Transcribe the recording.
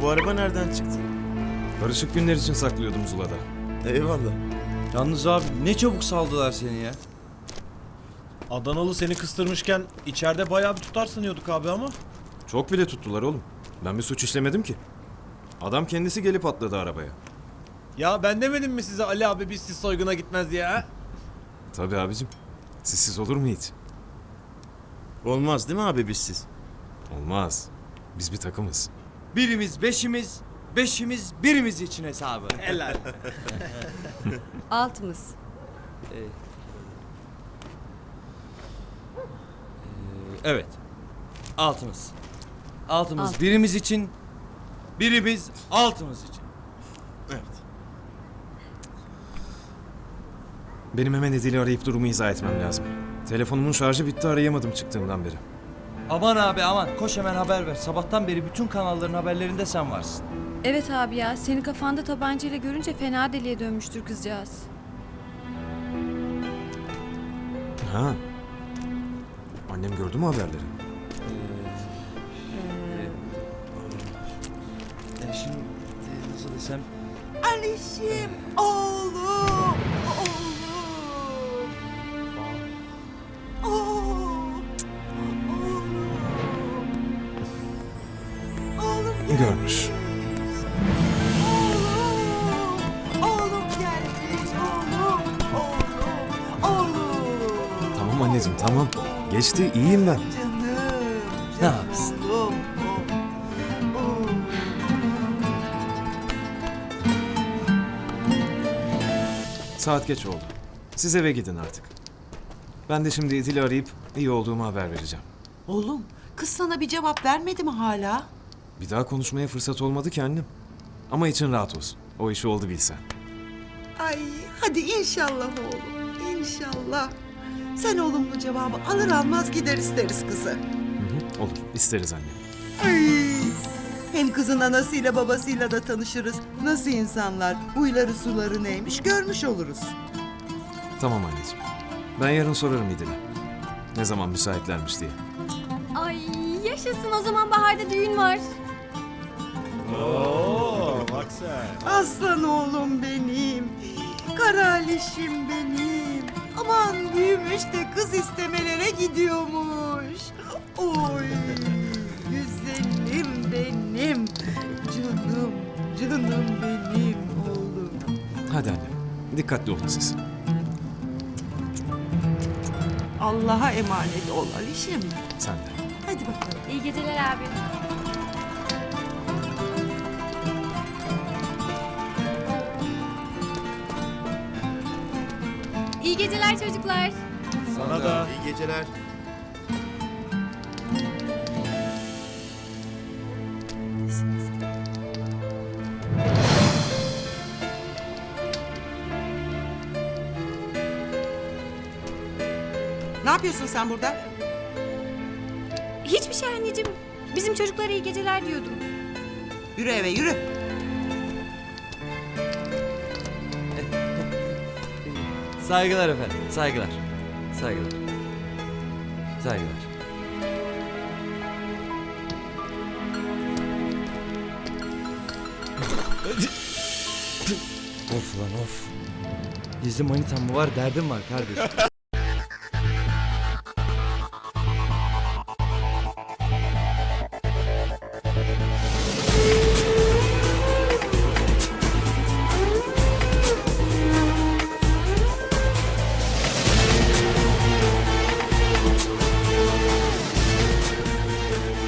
Bu araba nereden çıktı? Barışık günler için saklıyordum Zula'da. Eyvallah. Yalnız abi ne çabuk saldılar seni ya. Adanalı seni kıstırmışken içeride bayağı bir tutar sanıyorduk abi ama. Çok bile tuttular oğlum. Ben bir suç işlemedim ki. Adam kendisi gelip atladı arabaya. Ya ben demedim mi size Ali abi biz siz soyguna gitmez diye ha? Tabii abicim. Sizsiz olur mu hiç? Olmaz değil mi abi bizsiz? Olmaz. Biz bir takımız. Birimiz beşimiz, beşimiz birimiz için hesabı. Helal. Altımız. Evet. Altımız. Altımız Alt. birimiz için, birimiz altımız için. Evet. Benim hemen Edil'i arayıp durumu izah etmem lazım. Telefonumun şarjı bitti, arayamadım çıktığımdan beri. Aman abi aman koş hemen haber ver. Sabahtan beri bütün kanalların haberlerinde sen varsın. Evet abi ya, seni kafanda tabancayla görünce fena deliye dönmüştür kızcağız. Ha. Annem gördü mü haberleri? Şimdi nasıl desem... Alişim, oğlum, oğlum. Oğlum, oğlum gelmiş. Görmüş. Oğlum gelmiş, oğlum, oğlum. Tamam anneciğim, tamam. Geçti, iyiyim ben. Canım, Ne yapsın? oğlum. Saat geç oldu. Siz eve gidin artık. Ben de şimdi Edil'i arayıp iyi olduğumu haber vereceğim. Oğlum, kız sana bir cevap vermedi mi hala? Bir daha konuşmaya fırsat olmadı ki annem. Ama için rahat olsun. O işi oldu bilsen. Ay, hadi inşallah oğlum, inşallah. Sen olumlu cevabı alır almaz gider isteriz kızı. Hı hı, olur, isteriz annem. Ay, hem kızın anasıyla babasıyla da tanışırız. Nasıl insanlar, huyları suları neymiş görmüş oluruz. Tamam anneciğim. Ben yarın sorarım İdil'e. Ne zaman müsaitlermiş diye. Ay yaşasın, o zaman baharda düğün var. Oo, bak sen. Aslan oğlum benim, karalişim benim. Aman büyümüş de kız istemelere gidiyormuş. Oy, güzelim benim, canım, canım benim oğlum. Hadi annem, dikkatli olun siz. Allah'a emanet ol Alişim. Sen de. Hadi bakalım. İyi geceler abi. İyi geceler çocuklar. Sana da. İyi geceler. Ne yapıyorsun sen burada? Hiçbir şey anneciğim. Bizim çocuklara iyi geceler diyordum. Yürü eve yürü. Saygılar efendim, saygılar. Saygılar. Saygılar. Of lan of. Gizli manitam mı var, derdim var kardeşim.